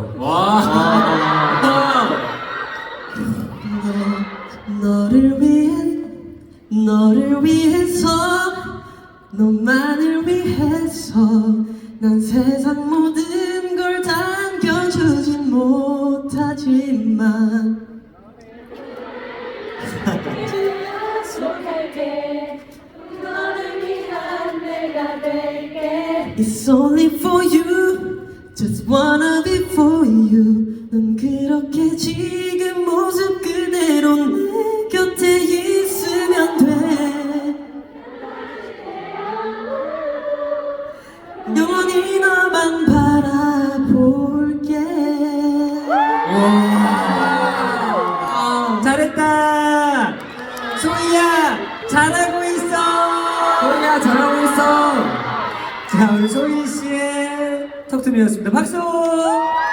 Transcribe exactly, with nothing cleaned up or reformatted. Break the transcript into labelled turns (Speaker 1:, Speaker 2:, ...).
Speaker 1: 와.
Speaker 2: 너를 위해 너를 위해서 너만을 위해서 난 세상 모든 걸 당겨주진 못하지만
Speaker 3: 약속할게 너를 위한 내가 될게
Speaker 2: It's only for you Just wanna be for you 넌 그렇게 지금 모습 그대로 내 곁에 있으면 돼 영원히 너만 바라볼게
Speaker 1: 와. 잘했다. 소희야 잘하고 있어. 소희야 잘하고 있어. 자 우리 소희 씨의 턱투미였습니다. 박수.